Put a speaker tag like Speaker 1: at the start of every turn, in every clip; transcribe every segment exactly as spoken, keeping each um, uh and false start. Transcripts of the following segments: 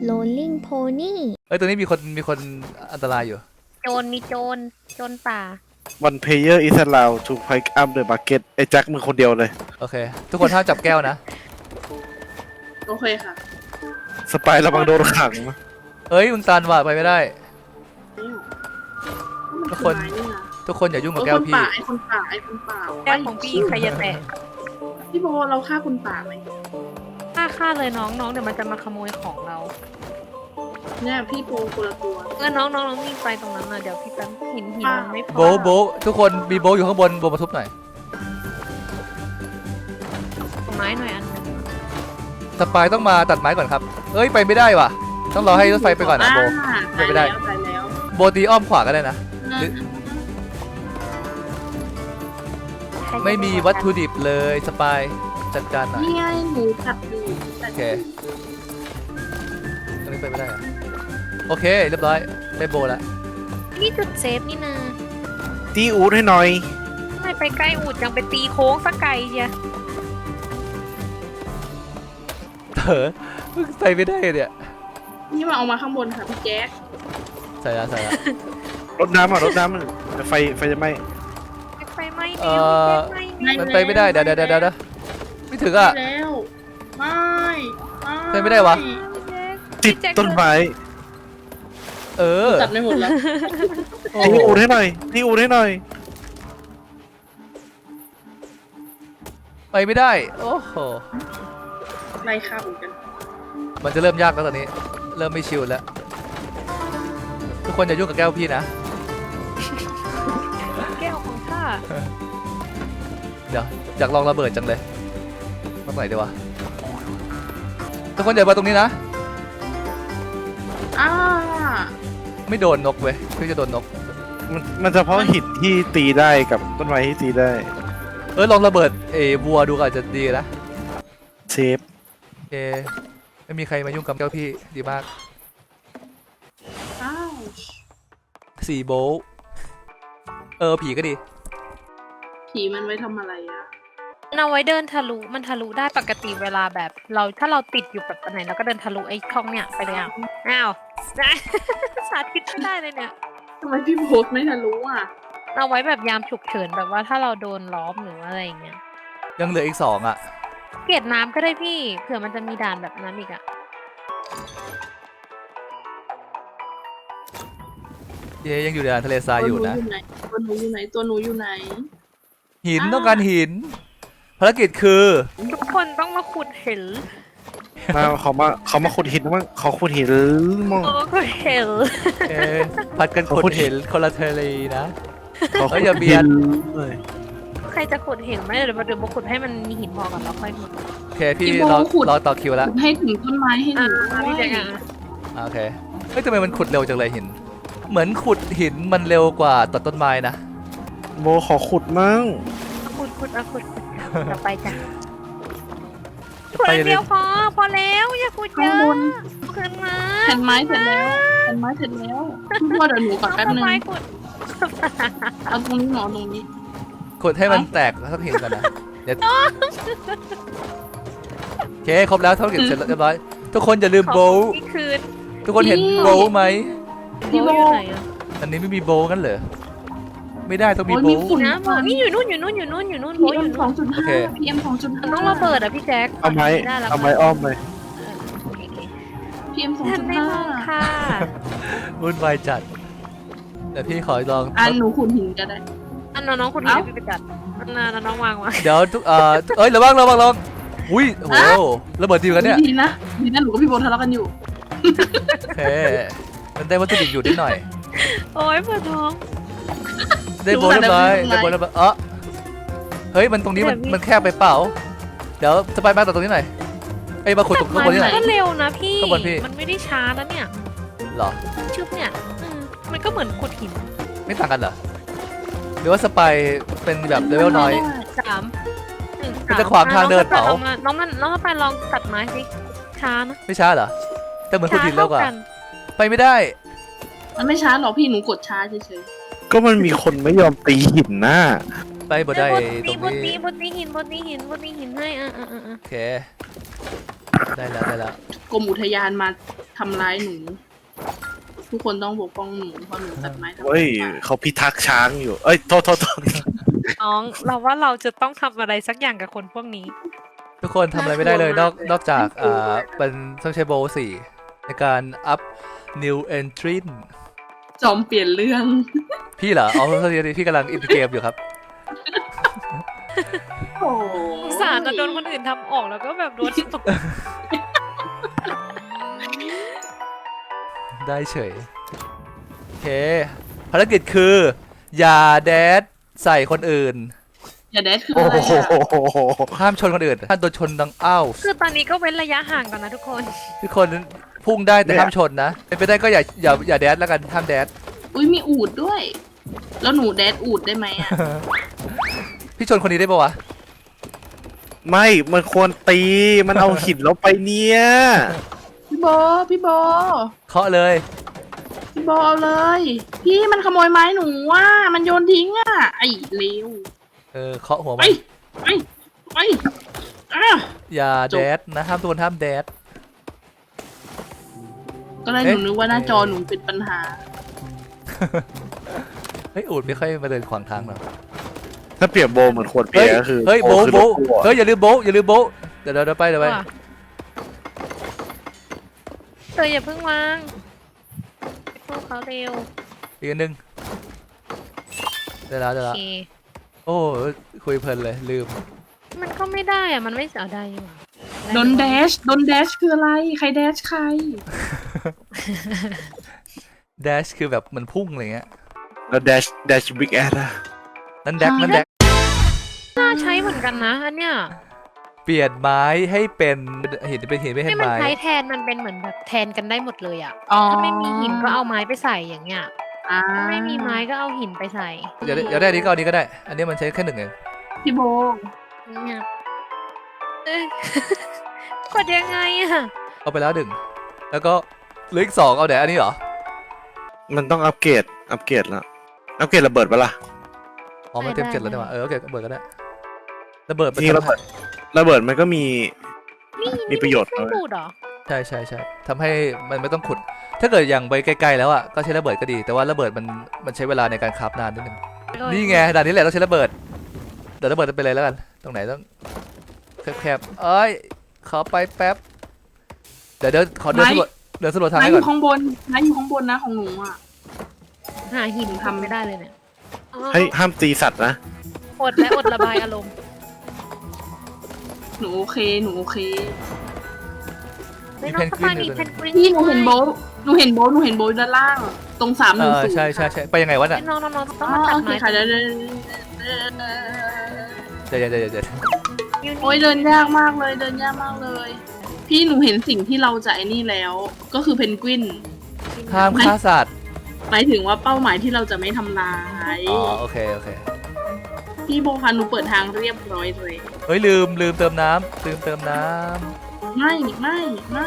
Speaker 1: Rolling Pony
Speaker 2: เอ้ยตรงนี้มีคนมีคนอันตรายอยู่
Speaker 3: โจรมีโจรโจรป่า
Speaker 4: One player is allowed to pick up the bucket ไอ้แจ็คมึงคนเดียวเลย
Speaker 2: โอเค ทุกคนห้ามจับแก้วนะ
Speaker 5: โอเคค่ะ
Speaker 4: สไปร์ระวังโดนขังนะ
Speaker 2: เอ้ยมึงตันว่ะไปไม่ได้ ทุกคน
Speaker 5: มัอไม้ะ
Speaker 2: ทุกคนอย่ายุ่งกับ
Speaker 5: เออ
Speaker 2: แก้ว
Speaker 5: คน
Speaker 2: พี่
Speaker 5: ป่าไอ้คนป่าไอ้คนป่า
Speaker 3: แก้วของพี่ใครจะแตะ
Speaker 5: พี่โบเราฆ่าคนป่าไหม
Speaker 3: ฆ่าฆ่าเลยน้องน้องเดี๋ยวมันจะมาขโมยของเรา
Speaker 5: เนี่ยพี่โบคนละตัว
Speaker 3: เออน้องน้องน้องวิ่งไปตรงนั้นน่ะเดี๋ยวพี่แป๊บหินหินมันไม่พอ
Speaker 2: โบะโบะทุกคนมีโบะอยู่ข้างบนโบะมาทุบหน่อย
Speaker 3: ไม้หน่อยอันหนึง
Speaker 2: สปายต้องมาตัดไม้ก่อนครับเอ้ยไปไม่ได้ว่ะต้องรอให้รถไฟไปก่อนนะโบะ
Speaker 5: อ่า
Speaker 2: ไปไม่ได้
Speaker 5: ตายแล้วตายแล้ว
Speaker 2: โบะตีอ้อมขวาก็ได้นะ หรือ
Speaker 3: ใครจะ
Speaker 2: ไม่มีวัตถุดิบเลยสปายจัดการหน่อย
Speaker 5: นี่ไงหมูตัดอยู่ตั
Speaker 2: โอ
Speaker 5: ด
Speaker 2: เคตรงนี้ไปไม่ได้อะโอเคเรียบร้อยได้โบะแล้ว
Speaker 3: นี่จุดเซฟนี่นา
Speaker 4: ตีอูดให้หน่อย
Speaker 3: ทำไมไปใกล้อูดยังไปตีโค้งสักไกลเชีย
Speaker 2: เถอะมึงไปไม่ได้เนี่ย
Speaker 5: นี่มาเอามาข้างบนค่ะพี่แจ๊ค
Speaker 2: ใส่ละใส่ละ
Speaker 4: รดน้ำอ่ะรดน้ำมันไฟไฟจะไหม้
Speaker 3: ไฟไหม้
Speaker 2: เอ่
Speaker 3: เร็ว
Speaker 2: อ
Speaker 3: ไฟไหม้
Speaker 2: มันไปไม่ได้เดี๋ยวเดี๋ยวเดี๋ยวเดี๋ยวไม่ถึง
Speaker 5: ไป
Speaker 2: อ่ะ
Speaker 5: แล้วไม่
Speaker 2: ไปไม่ได้วะ
Speaker 4: ติดต้นไม้
Speaker 2: เออ
Speaker 5: ตัดไม่หมดแล้ว
Speaker 2: โอ้
Speaker 4: ตี
Speaker 2: โห
Speaker 4: อูดให้หน่อยตีอูดให้หน่อย
Speaker 2: ไปไม่ได้โอ้โห
Speaker 5: ไล่ฆ่าเหมือนกัน
Speaker 2: มันจะเริ่มยากแล้วตอนนี้ เริ่มไม่ชิลแล้ว ทุกคนอย่ายุ่งกับแก้วพี่นะ
Speaker 3: แก้วของข้า
Speaker 2: เดี๋ยวอยากลองระเบิดจังเลยมาไหนดีวะทุกคนอย่ามาตรงนี้นะ
Speaker 5: อ้า
Speaker 2: ไม่โดนนกเว้ยพี่จะโดนนก
Speaker 4: มันมันจะเพราะหินที่ตีได้กับต้นไม้ที่ตีได้
Speaker 2: เออลองระเบิดเอวัวดูก็อาจจะดีนะ
Speaker 4: เซฟ
Speaker 2: เอไม่มีใครมายุ่งกับแก้วพี่ดีมาก
Speaker 5: อ้าว
Speaker 2: สี่โบลต์เออผีก็ดี
Speaker 5: ผีมันไว้ทำอะไรอ่ะ
Speaker 3: มันเอาไว้เดินทะลุมันทะลุได้ปกติเวลาแบบ เราถ้าเราติดอยู่แบบไหนเราก็เดินทะลุไอ้ช่องเนี่ยไปเลยอ่ะอ้าว สาธิตไม่ได้เลยเนี่ย
Speaker 5: ทำไมพี่โบไม่ทะลุอ่ะ
Speaker 3: เอาไว้แบบยามฉุกเฉินแบบว่าถ้าเราโดนล้อมหรืออะไรอย่างเงี้ย
Speaker 2: ยังเหลืออีกสองอ่ะ
Speaker 3: เกล็ดน้ำก็ได้พี่เผื่อมันจะมีด่านแบบนั้นอีกอ่ะ
Speaker 2: เยยังอยู่ในทะเลทรายอยู่นะ
Speaker 5: ตัวหนูอยู่ไหนตัวหนูอยู่ไหน
Speaker 2: หิน
Speaker 5: อ่า
Speaker 2: ต้องการหิน ภารกิจคือ
Speaker 3: ทุกคนต้องมาขุดเห็น
Speaker 4: มาเขามาเขามาขุดหินมั้งเขาขุดหินมั่ง
Speaker 3: โอ้ขุดเห็น
Speaker 2: เอ๊ะผัดกัน
Speaker 4: เขา
Speaker 2: ขุ
Speaker 4: ขุ
Speaker 2: ด
Speaker 4: ด
Speaker 2: เห็นคนละทะเลนะ
Speaker 4: เขา
Speaker 2: เอ้
Speaker 4: ขุ
Speaker 2: ย
Speaker 4: ด
Speaker 2: อย่าเบีย
Speaker 4: หิ
Speaker 2: ด
Speaker 4: นเลย
Speaker 3: ใครจะขุดเห็นไหมเดี๋ยวมาเดี๋ยวมาขุดให้มันมีหินพอก่อนแล้วค่อยขุด
Speaker 2: โอเคพี่
Speaker 5: พี่โบ
Speaker 2: รอ
Speaker 5: ขุด
Speaker 2: รอต่อคิวแล้ว
Speaker 5: ให้ถึงต้นไม้ให้ห
Speaker 3: อ่า
Speaker 5: นู
Speaker 3: พี่
Speaker 5: ด้
Speaker 3: แจ๊
Speaker 5: วย
Speaker 3: คอ่ะ
Speaker 2: อ่าโอเคเฮ้ยทำไมมันขุดเร็วจังเลยหิน เหมือนขุดหินมันเร็วกว่าตัดต้นไม้นะ
Speaker 4: โบขอขุดมั่ง
Speaker 3: ขุดขุดอ่ะขุดขุดต่อไปจ้ะ
Speaker 2: จะ
Speaker 3: ขุด
Speaker 2: ไป
Speaker 3: อัน
Speaker 2: เล
Speaker 3: เดี
Speaker 2: ย
Speaker 3: ยวพอพอแล้วอย่าขุดเย
Speaker 5: ข้าง
Speaker 3: อะ
Speaker 5: บน
Speaker 3: ขึ้นมา
Speaker 5: แผ่นไม้เสร็จแล้วแผ่นไม้เสร็จแล้วพี่โบเดี๋ยวหนูก่อนแป๊บ
Speaker 3: เอา
Speaker 5: นึง
Speaker 3: ไม้ขุด
Speaker 5: เอาตรงนี้หนอตรงนี้
Speaker 2: ขุดให้มันแตกสักหินก่อนนะเดี๋ยวโอเคครบแล้วเท่ากับเสร็จแล้วเรียบร้อยทุกคนอย่าลืม
Speaker 3: ขอ
Speaker 2: โบว์
Speaker 3: อีกคืน
Speaker 2: ทุกคนเห็นโบว์ไหม
Speaker 5: พี่โบ
Speaker 3: โบอยู่ไหนอ่ะ
Speaker 2: อันนี้ไม่มีโบว์กันเหรอไม่ได้ต้องมี
Speaker 5: โอ้ย
Speaker 2: โบ
Speaker 5: มี
Speaker 2: ว์
Speaker 5: ฝุ่น
Speaker 3: นะโบนี่อยู่นู่นอยู่นู่นอยู่นู่นอยู่นู่นโบ
Speaker 5: พี
Speaker 3: อ
Speaker 5: เอ็ม
Speaker 3: ยู่
Speaker 5: สอ
Speaker 3: นู่
Speaker 5: ง
Speaker 3: น
Speaker 5: จุด
Speaker 2: โอ
Speaker 5: ห้า
Speaker 2: เค
Speaker 5: พีเอ็มสองจุด
Speaker 3: มั
Speaker 5: ห้าน
Speaker 3: ต้องระเบิดอ่ะพี่แจ๊ค
Speaker 4: เอาไม้
Speaker 3: ได้แล้ว
Speaker 4: เอาไม้อ้อมไป
Speaker 5: พีเอ็มสอง
Speaker 3: ทัน
Speaker 5: จุด
Speaker 3: ไม่
Speaker 5: ห้าม
Speaker 3: องค่ะ
Speaker 2: วุ่นวายจัดแต่พี่ขอลอง
Speaker 5: อันหนูขุดหินก็ได้
Speaker 3: อันน้องๆคนนี้พี่ไปจัดอันนั้นน้องวางไว้
Speaker 2: เดี๋ยวทุกเอ่อเอ้ยระวังระวังระวังอุ้ยโอ้โหระเบิดดีเหมือนกันเนี่ย
Speaker 5: ดีนะดีนะหนูกับพี่โบทะเลาะกันอยู่
Speaker 2: โอเคมันได้วัตถุดิบอยู่นิดหน่อย
Speaker 3: โอ้ยปวดท้อง
Speaker 2: ได้โบว์เรียบร้อยได้โบว์เรียบร้อยเออเฮ้ยมันตรงนี้มันมันแคบไปเปล่าเดี๋ยวสไปร์มาต่อตรงนี้หน่อยไอ้ยมาขุดตรงข้างบนนี่หน่อย
Speaker 3: ก็เร็วนะพี่
Speaker 2: ข้างบนพี่
Speaker 3: มันไม่ได้ช้านะเนี่ย
Speaker 2: เหรอ
Speaker 3: ชึบเนี่ยอืมมันก็เหมือนขุดหิน
Speaker 2: ไม่ต่างกันเหรอหรือว่าสไปร์เป็นแบบเลเวลน้อย
Speaker 3: สามหนึ่ง
Speaker 2: มันจะขวางทางเดินเปล่า
Speaker 3: น้องมันน้องมันน้องมันไปลองตัดไม้สิช้านะ
Speaker 2: ไม่ช้าเหรอแต่เหมือนขุดหินเร็วกว่า
Speaker 3: ช้ท่น
Speaker 2: ไปไม่ได้
Speaker 5: มันไม่ช้าหรอกพี่หนูกดช้าเฉย
Speaker 4: ก็มันมีคนไม่ยอมตีหินน่ะ
Speaker 2: ไปบ่ได้
Speaker 3: เอ
Speaker 2: ตรง
Speaker 3: อบน
Speaker 2: นี้
Speaker 3: นี้บนนี้หินบนนี้หินบนนี้หินให้อ่ะอ่ะอ่ะอ่ะ
Speaker 2: โอเคได้แล้วได้แล้ว
Speaker 5: ๆกรมอุทยานมาทำร้ายหนู ทุกคนต้องปกป้องหนูเพราะหนูตัดไม้ทำลาย
Speaker 4: เฮ้ย
Speaker 5: ป่า
Speaker 4: เขาพิทักษ์ช้างอยู่ เอ้ย โทษโทษโทษ
Speaker 3: น้องเราว่าเราจะต้องทำอะไรสักอย่างกับคนพวกนี้
Speaker 2: ทุกคนทำอะไรไม่ได้เลยนอกนอกจากอ่าเป็นต้องใช้โบว์สี่ในการอัพ new entry
Speaker 5: จอมเปลี่ยนเรื่อง
Speaker 2: พี่เหรออ๋อโทษทีพี่กำลังอินเกมอยู่ครับ
Speaker 5: โอ้
Speaker 3: สงสารจะโดนคนอื่นทำออกแล้วก็แบบโดนตก
Speaker 2: ได้เฉยโอเคภารกิจคือ อย่าแดดใส่คนอื่น
Speaker 5: อย่าแดดคือ
Speaker 4: โอ้
Speaker 5: อะไร
Speaker 4: โห
Speaker 5: อะ
Speaker 2: ห้ามชนคนอื่นถ้าโดนชนดังอ้าว
Speaker 3: คือตอนนี้ก็เว้นระยะห่างก่อนนะทุกคน
Speaker 2: ทุกคนพุ่งได้แต่ห้ามชนนะเป็นไปได้ก็อย่าอย่าอย่าแดดแล้วกันห้ามแดด
Speaker 5: อุ้ยมีอูดด้วย แล้วหนูแดดอูดได้ไหมอะ
Speaker 2: พี่ชนคนนี้ได้ปะวะ
Speaker 4: ไม่ มันควรตี มันเอาหินเราไปเนี่ย
Speaker 5: พี่โบพี่โบ
Speaker 2: เคาะเลย
Speaker 5: พี่โบเอาเลย พี่มันขโมยไม้หนูว่ะมันโยนทิ้งอ่ะไอ้เลว
Speaker 2: เออเคาะหัว
Speaker 5: ไป
Speaker 2: มัน
Speaker 5: ไปไปอ่ะ
Speaker 2: อย่า
Speaker 5: จบ
Speaker 2: แดดนะห้ามทุกคนห้ามแดด
Speaker 5: ก็เลยห
Speaker 2: เอ๊ะ
Speaker 5: นูนึกว่าหน้าจอหนูเป็นปัญหา
Speaker 2: เฮ้ยอูดไม่ค่อยมาเดินขวางทางหรอก
Speaker 4: ถ้าเปรียบโบเหมือนขวดเบี
Speaker 2: เฮ้
Speaker 4: ย
Speaker 2: ย
Speaker 4: ร์ก็คือ
Speaker 2: เฮ้ยโบะ
Speaker 4: คือ
Speaker 2: โบะ
Speaker 4: รถตู้อะ
Speaker 2: เฮ้ยอย่าลืมโบะอย่าลืมโบะเดี๋ยวเดี๋ยวเดี๋ยวไปเดี๋ยวไป
Speaker 3: ว่ะเธออย่าเพิ่งวางพวกเขาเร็ว
Speaker 2: อีกอันหนึงเดี๋ยวแล้วเดี๋ยว
Speaker 3: โอ
Speaker 2: แล้ว
Speaker 3: เค
Speaker 2: โอ้คุยเพลินเลยลืม
Speaker 3: มันก็ไม่ได้อะมันไม่เสียดายอยู่
Speaker 5: โดนแดชโดนแดชคืออะไร ใครแดชใคร
Speaker 2: แดชคือแบบมันพุ่งอะไรเงี้ย
Speaker 4: แล้ว dash dash big ass อะ
Speaker 2: นั่นแดกนั่นแดก
Speaker 3: น่าใช้เหมือนกันนะอันเนี้ย
Speaker 2: เปลี่ยนไม้ให้เป็นหินเป็นหินไม่
Speaker 3: ให้
Speaker 2: ให้
Speaker 3: มัน
Speaker 2: ไม้
Speaker 3: ใช้แทนมันเป็นเหมือนแบบแทนกันได้หมดเลยอะ
Speaker 5: อ๋อ
Speaker 3: ถ้าไม่มีหินก็เอาไม้ไปใส่อย่างเงี้ย
Speaker 5: อ่า
Speaker 3: ถ้าไม่มีไม้ก็เอาหินไปใส่
Speaker 2: เดี๋ยวเดี๋ยวได้อันนี้ก็เอาอันนี้ก็ได้ อันนี้มันใช้แค่หนึ่งเอง
Speaker 5: พี่โบ
Speaker 3: เนี่ยเอ้ย กดยังไงอะ
Speaker 2: เอาไปแล้วหนึ่งแล้วก็เหลืออีกสองเอาไหนอันนี้เหรอ
Speaker 4: มันต้องอัปเกรด อัปเกรดแล้ว อัปเกรดระเบิดปะล่ะ
Speaker 2: อ๋อมันเต็มเจ็ดแล้วใช่ไหมเออโอเคระเบิดก็ได้ระเบิด
Speaker 4: จริงๆระเบิด ระเบิดมันก็มี
Speaker 3: นี่
Speaker 4: มีประโยชน์
Speaker 3: ไม่
Speaker 4: นะ
Speaker 3: ใช่ดูดเหรอ
Speaker 2: ใช่ใช่ใช่ทำให้มันไม่ต้องขุด ถ้าเกิดอย่างไปไกลๆแล้วอ่ะก็ใช้ระเบิดก็ดี แต่ว่าระเบิดมันมันใช้เวลาในการคราฟนานนิดนึงนี่ไงด่านนี้แหละต้องใช้ระเบิดเดี๋ยวระเบิดไปเลยแล้วกันตรงไหนต้องแคบๆเอ้ยขอไปแป๊บเดี๋ยวเดี๋ยวขอเดินสำรวจเดินสำรวจทาง
Speaker 5: ไม้
Speaker 2: ให้
Speaker 5: อ
Speaker 2: ก่อน
Speaker 5: ยู่ข้างบนไม้อยู่ข้างบนนะของหนูอ่ะ
Speaker 3: หาหินทำไม่ได้เลยเนี่ยอ๋อ
Speaker 4: ให้ห้ามตีสัตว์นะ
Speaker 3: อดและอดระบายอารมณ์
Speaker 5: หนูโอเคหนูโอเค
Speaker 3: ไม่น้องสปายมีเพนกวิน
Speaker 5: พี่หนูเห็นโบทหนูเห็นโบทหนูเห็นโบทด้านล่าง ตรงสามห
Speaker 2: เอ
Speaker 5: นึ่ง
Speaker 2: อ
Speaker 5: ศูนย์
Speaker 2: ใช่ใช่ใช่ไปยังไงวะน่ะ
Speaker 3: น้องน้องน้องต้
Speaker 5: อ๋
Speaker 3: อง
Speaker 5: อ
Speaker 3: มาตัด
Speaker 5: โอเค
Speaker 3: ไม้
Speaker 5: ค่ะเดี๋ยวเดี๋ยว
Speaker 2: เดี๋ยวเดี๋ยวเดี๋ยวเดี๋ยว
Speaker 3: ยู
Speaker 5: โอ้ย
Speaker 3: นี่
Speaker 5: เดินยากมากเลยเดินยากมากเลย พี่หนูเห็นสิ่งที่เราจะไอ้นี่แล้ว ก็คือเพนกวิน
Speaker 2: ห้ามฆ่าสัตว์
Speaker 5: หมายถึงว่าเป้าหมายที่เราจะไม่ทำลาย
Speaker 2: อ๋อโอเคโอเค
Speaker 5: พี่โบคะหนูเปิดทางเรียบร้อยเลย
Speaker 2: เฮ้ยลืมลืมเติมน้ำลืมเติมน้
Speaker 5: ไม่ไม่ไม่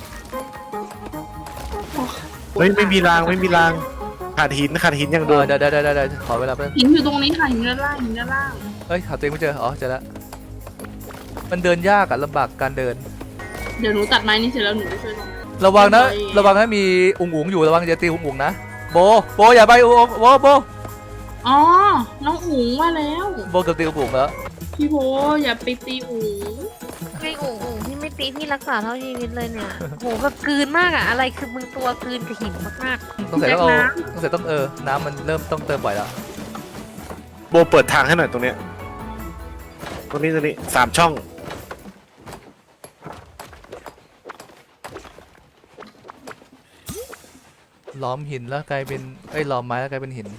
Speaker 4: เฮ้ย ไม่มีราง ไม่มีราง ขาดหิน ขาดหินอย่าง
Speaker 2: ำเอ
Speaker 4: เดียว
Speaker 2: อเดี๋ยวเดี๋ยวเดี๋ยวเดี๋ยวขอเวลาแป๊บ
Speaker 5: หินอยู่ตรงนี้ค่ะหินด้านล่างหินด้านล่าง
Speaker 2: เฮ้ยหาตัวเองไม่เจออ๋อเจอแล้วมันเดินยากอะลำบากการเดิน
Speaker 5: เดี๋ยวหนูตัดไม้นี้เสร็จแล้วหนูไปช่วยตรงนั้น
Speaker 2: ระวังนะ
Speaker 5: ไป
Speaker 2: ระวังนะมีอุ๋งอุ๋งอยู่ระวังอย่าตีอุ๋งอุ๋งนะโบโบอย่าไปอุ๋งโบโบ
Speaker 5: อ๋อน้องอุ๋งว่าแล้ว
Speaker 2: โบเกือบตีอุ๋งอุ๋งแล้ว
Speaker 5: พี่โบอย่าไปตีอุ๋ง
Speaker 3: ไม่โอ่งโอ่งพี่ไม่ตีพี่รักษาเท่าชีวิตเลยเนี่ยโหแบบกลืนมากอะอะไรคือมึงตัวกลืนกับหินมาก
Speaker 2: ต้องใส่ต้องเอาต้องใส่ต้องเออน้ำมันเริ่มต้องเติมบ่อยแล้ว
Speaker 4: โบเปิดทางให้หน่อยตรงเนี้ย ตรงนี้ตรงนี้สามช่อง
Speaker 2: ล้อมหินแล้วกลายเป็นเอ้ยล้อมไม้แล้วกลายเป็นหิน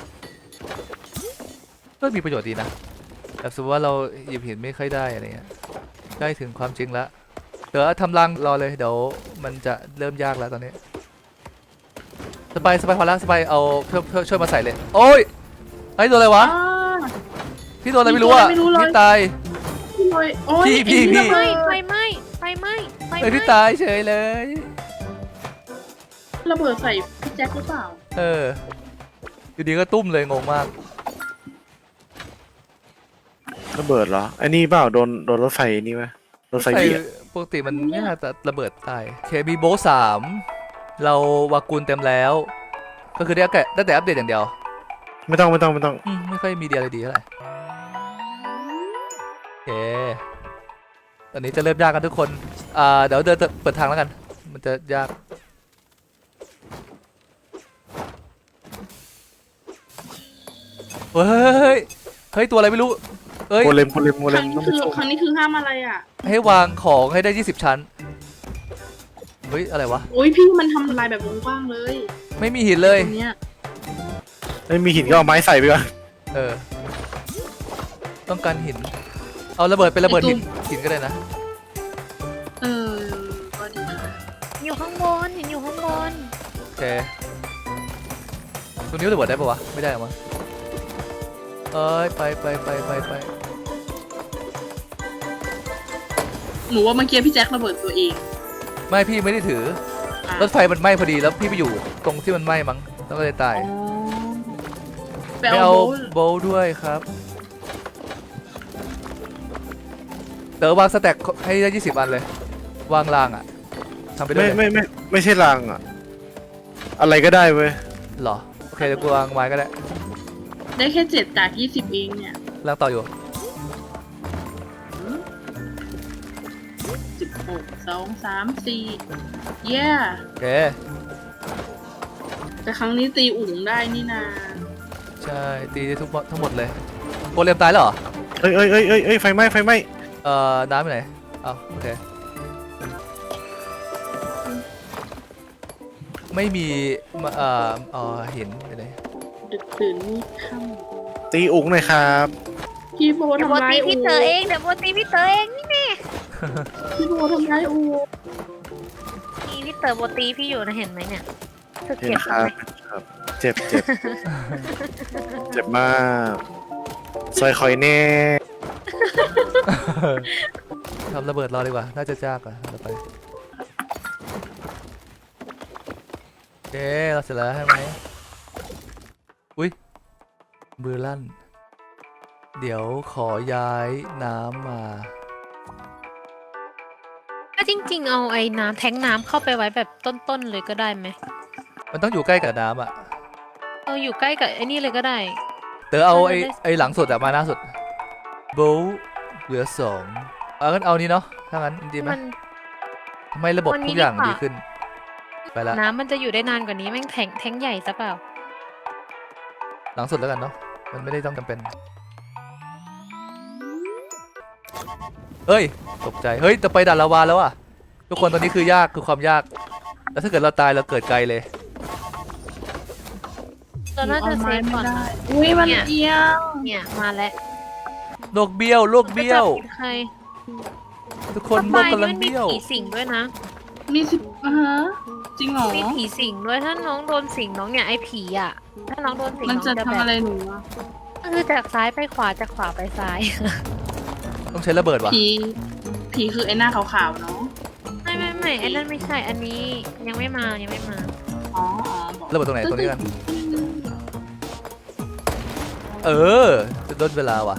Speaker 2: ก็มีประโยชน์ดีนะแต่สมมติว่าเราหยิบหินไม่ค่อยได้อะไรเงี้ยใกล้ถึงความจริงแล้วเดี๋ยวทำรังรอเลยเดี๋ยวมันจะเริ่มยากแล้วตอนนี้สบายสบายพอแล้วสบายเอาเพื่อเพื่อช่วยมาใส่เลยโอ้ยไอ้โดนอะไรวะ
Speaker 5: อ่า
Speaker 2: พี่โดนอะไรไม่รู้อ่ะ
Speaker 5: พี่โดนอะไรไม่รู้เลย
Speaker 2: พี่ตาย
Speaker 5: พี่เลยโอ้ย
Speaker 2: พี่พี่พี่
Speaker 5: ไอ้
Speaker 3: ๆ
Speaker 5: นี่
Speaker 3: ไม่ไฟไหม้ไฟไหม้ไฟไห
Speaker 2: เอ้ย
Speaker 3: ม้
Speaker 2: พี่ตายเฉยเลย
Speaker 5: ระเบิดใส่พี่แจ็คหรือเปล่า
Speaker 2: เอออยู่ดีก็ตุ้มเลยงงมาก
Speaker 4: ระเบิดเหรอ อันนี้เปล่า โดน โดนรถไฟนี่ไหมรถไฟ
Speaker 2: ใส่
Speaker 4: เบียด
Speaker 2: ปกติมันไม่น่าจะระเบิดตายเคบีโบสามเราวากุลเต็มแล้ว ก็คือได้แค่ได้แต่อัปเดตอย่างเดียว
Speaker 4: ไม่ต้องไม่ต้องไม่ต้อง
Speaker 2: อืมไม่ค่อยมีดีอะไรดีเท่าไหร่โอเคตอนนี้จะเริ่มยากกันทุกคนอ่าเดี๋ยวเดินเปิดทางแล้วกันมันจะยากเฮ้ยเฮ้ยตัวอะไรไม่รู้เอ้ย
Speaker 4: โมเลมโมเลมโม
Speaker 5: ค
Speaker 4: เล
Speaker 5: รั้
Speaker 4: ม
Speaker 5: งนี้
Speaker 4: ต้องไป
Speaker 5: คือ
Speaker 4: สู้
Speaker 5: ครั้งนี้คือห้ามอะไรอ่ะ
Speaker 2: ให้วางของให้ได้ยี่สิบชั้นเฮ้ยอะไรวะ
Speaker 5: โอ้ยพี่มันทำลายแบบวงกว้างเลย
Speaker 2: ไม่มีหินเลย
Speaker 5: ตรงเนี้ย
Speaker 4: ไม่มีหินก็เอาไม้ใส่ไปก่อน
Speaker 2: เออต้องการหินเอาระเบิดเป็นระเบิดหินหินก็ได้นะ
Speaker 5: เออก็ดีค่ะ
Speaker 3: อยู่ข้างบนเห็นอยู่ข้างบน
Speaker 2: โอเคตรงนี้ระเบิดได้ปะวะไม่ได้หรอมั้งเอ้ยไปไปไปไปไป
Speaker 5: หนูว่าเมื่อกี้พี่แจ็คระเบิดตัวเอง
Speaker 2: ไม่พี่ไม่ได้ถือ
Speaker 5: อ่ะ
Speaker 2: รถไฟมันไหม้พอดีแล้วพี่ไปอยู่ตรงที่มันไหม้มั้งแล้วก็เลยตาย
Speaker 5: อ๋อไป
Speaker 2: ไม่
Speaker 5: เอา
Speaker 2: เอา
Speaker 5: โบ๊ท
Speaker 2: โบว์ด้วยครับเต๋อวางสแต็กให้ได้ยี่สิบอันเลย วางรางอ่ะทำไปด้ว
Speaker 4: ไม่
Speaker 2: ยเลย
Speaker 4: ไม่ไม่ไม่ใช่รางอะอะไรก็ได้เว้ย
Speaker 2: เหรอโอเคเดี๋ยวกูวางไม้ก็ได้
Speaker 5: ได้แค่เจ็ดจากยี่สิบเองเนี่ย
Speaker 2: รางต่ออยู่
Speaker 5: สิบหกสองสามสี่เย้
Speaker 2: โอเค
Speaker 5: แต่ครั้งนี้ตีอุ๋งได้นี่นา
Speaker 2: ใช่ตีได้ทุกทั้งหมดเลยโกเลมตายแล้วเหรอ
Speaker 4: เอ้ยเอ้ยเอ้ยเอ้ยเอ้ยไฟไหม้ไฟไหม้
Speaker 2: เอ่อน้ำไปไหนอ้าวโอเคไม่มีมาเอ่อเอ่อเห็นไปเลย
Speaker 5: ดึกตื่นนี่ค่
Speaker 4: ตีอุ๋งหน่อยครับ
Speaker 5: ำพี่โบ
Speaker 3: เดี๋ยวโบ
Speaker 5: ทำร้าย
Speaker 3: ตี
Speaker 5: อู
Speaker 3: พี่เต๋อเองเดี๋ยวโบตีพี่เต๋อเองนี่แน่
Speaker 5: พี่โบทำร้ายอู
Speaker 3: มีพี่เต๋อโบตีพี่อยู่นะเห็นไหมเนี่ยคือ
Speaker 4: เห็น
Speaker 3: เก็บ
Speaker 4: ค
Speaker 3: ทำ
Speaker 4: รับ
Speaker 3: ไม
Speaker 4: ครับ เจ็บเจ็บ เจ็บมากซอยคอยแน่
Speaker 2: ทำระเบิดรอดีกว่าน่าจะยากอ่ะเราไปโอเคเราเสร็จแล้วใช่ไหมอุ้ยมือลั่น เดี๋ยวขอย้ายน้ำมา
Speaker 3: ก็จริง ๆ เอาไอ้น้ำแทงน้ำเข้าไปไว้แบบต้นๆเลยก็ได้ไหม
Speaker 2: มันต้องอยู่ใกล้กับน้ำอ่ะ
Speaker 3: เอาอยู่ใกล้กับไอ้นี่เลยก็ได้
Speaker 2: เต๋อเอาไอ้
Speaker 3: ได้ได้
Speaker 2: ไอ้หลังสุดอะมาหน้าสุดโบว์เหลือสองเอางั้นเอานี้เนาะถ้างั้นดีไหม
Speaker 3: มัน
Speaker 2: ทำไมระบบ
Speaker 3: วันนี้
Speaker 2: ทุกอย่าง
Speaker 3: ดีกว่า
Speaker 2: ดีขึ้น ไปละ
Speaker 3: น้ำมันจะอยู่ได้นานกว่านี้แม่งแทงแทงใหญ่ซะเปล่า
Speaker 2: หลังสุดแล้วกันเนาะมันไม่ได้ต้องจำเป็นเฮ้ยตกใจเฮ้ยแต่ไปด่านลาวาแล้วอะทุกคนตอนนี้คือยากคือความยาก แล้วถ้าเกิดเราตายเราเกิดไกลเลย
Speaker 3: เราน่าจะเซฟก่อน
Speaker 5: ได้อุ้ยมัน
Speaker 3: เนี่ย
Speaker 5: เอียง
Speaker 3: เนี่ยมาแล้ว
Speaker 2: โลกเบี้ยวโลกเบี้ยว
Speaker 3: จะจับผิดใคร
Speaker 2: ทุกคนโลกกำลัง
Speaker 3: มันมี
Speaker 2: เบี้ยว
Speaker 3: ผีสิงด้วยนะ
Speaker 5: มีสิบอ่ะฮะจริงเหรอ
Speaker 3: มีผีสิงด้วยถ้าน้องโดนสิงน้องเนี่ยไอ้ผีอ่ะ ถ้าน้องโดนสิง
Speaker 5: มัน
Speaker 3: น้อง
Speaker 5: จะ
Speaker 3: จะ
Speaker 5: ทำ
Speaker 3: แบ
Speaker 5: อะไร
Speaker 3: บ
Speaker 5: หนูอะ
Speaker 3: ก็คือจากซ้ายไปขวาจากขวาไปซ้าย
Speaker 2: ต้องใช้ระเบิดว่ะ
Speaker 5: ผีผีคือไอ้หน้าขาวๆเนาะ
Speaker 3: ไม่ไม่ไม่ไอ้นั่นไม่ใช่อันนี้ยังไม่มายังไม่มา
Speaker 5: อ๋ออ๋อบอก
Speaker 2: ระเบิดตรงไหนตรงนี้กันเออจะลดเวลาว่ะ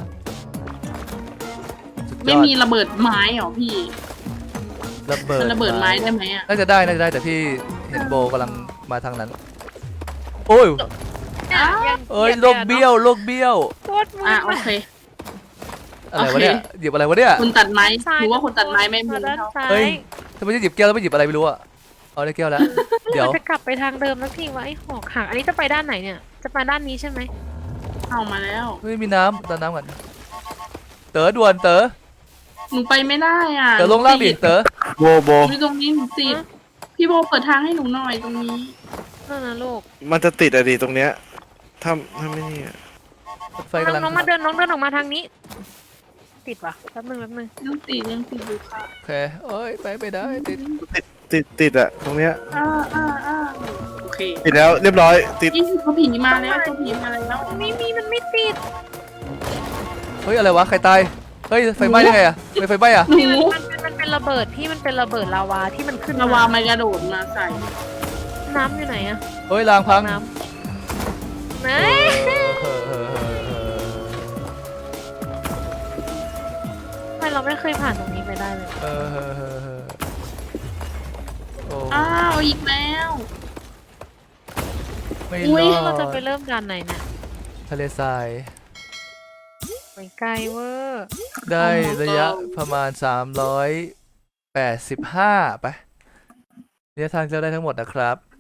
Speaker 2: สุดย
Speaker 5: ไม่
Speaker 2: อด
Speaker 5: มีระเบิดไม้เหรอพี่
Speaker 2: ระเบิด
Speaker 5: มันระเบิดไม้ได้ไหมอ่ะ
Speaker 2: น่าจะได้น่าจะได้แต่พี่เห็นโบกำลังมาทางนั้น โอ้ย
Speaker 3: เนี่ยยัง
Speaker 2: เอ้ย
Speaker 3: หบ
Speaker 2: โลกเบี้ยวโลกเบี้ยว
Speaker 3: โคตรมื
Speaker 5: อ่ะ
Speaker 3: ด
Speaker 5: โอเค
Speaker 2: อะไรวะเนี่ยหยิบอะไรวะเนี่ย
Speaker 5: คนตัดไม้
Speaker 3: ซ้าย
Speaker 5: หรือว่าคนตัดไม้ไม่มือ
Speaker 3: ด้าน
Speaker 5: เท่า
Speaker 3: ซ้าย
Speaker 2: เฮ้ยทำไมจะหยิบแก้วแล้วไม่หยิบอะไรไม่รู้อะเอาได้แก้วแล้ว เดี๋ยว
Speaker 3: มันจะกลับไปทางเดิมแล้วพี่ว่าไอ้หอกหักอันนี้จะไปด้านไหนเนี่ย จะไปด้านนี้ใช่ไหม
Speaker 5: เข้ามาแล้ว
Speaker 2: ไม่มีน้ำตอนน้ำก่อนเต๋อด่วนเต๋อ
Speaker 5: หนูไปไม่ได้อ่ะ
Speaker 2: เต๋อลงล่างดิเต๋อ
Speaker 4: โบโบ
Speaker 5: หนูอยู่ตรงนี้หนูติดพี่โบเปิดทางให้หนูหน่อยตรงนี้
Speaker 3: นั่นนะลูก
Speaker 4: มันจะติดอะดีตรงเนี้ยถ้าถ้าไม่นี่อะ
Speaker 2: รถไฟกำลัง
Speaker 3: น้องๆมาเดินน้องเดินออกมาทางนี้ ติดว่ะแป๊บนึงแป๊บนึง
Speaker 5: ยังติดยังติดอยู่ค่ะ
Speaker 2: โอเคเอ้ยไปไม่ได้ติด
Speaker 4: ติดติดติดอะตรงเนี้ย
Speaker 5: อ่าอ่าอ่าโอเค
Speaker 4: ติดแล้วเรียบร้อยติด
Speaker 5: นี่ตัวผีมาแล้วตัวผีมาแล้ว
Speaker 3: ไม่มีมันไม่ติด
Speaker 2: เฮ้ยอะไรวะใครตายเฮ้ยไฟไหม้ได้ไงอะทำไมไฟไหม้อะ
Speaker 5: หนู
Speaker 3: มันเป็นมันเป็นระเบิดพี่มันเป็นระเบิดลาวาที่มันขึ้น
Speaker 5: ระวามันกระโดดมาใส่
Speaker 3: น้ำอยู่ไหนอะ
Speaker 2: เฮ้ยรางพัง
Speaker 3: น้ำไหน
Speaker 2: เออเออเออเออ
Speaker 3: ทำไมเราไม่เคยผ่านตรงนี้เลยได้เลย
Speaker 2: เออเออเออเออโอ้
Speaker 5: อ้าวอีกแล้ว
Speaker 2: ไม่
Speaker 5: อุ๊
Speaker 2: ร
Speaker 5: ย
Speaker 2: อ
Speaker 3: เราจะไป
Speaker 2: ด
Speaker 3: เริ่มด่านไหนเนี่ย
Speaker 2: ทะเลทราย
Speaker 3: ไปไกลเวอร์
Speaker 2: ได้ระยะประมาณสามร้อยแปดสิบห้าไประยะทางที่เราได้ทั้งหมดนะครับ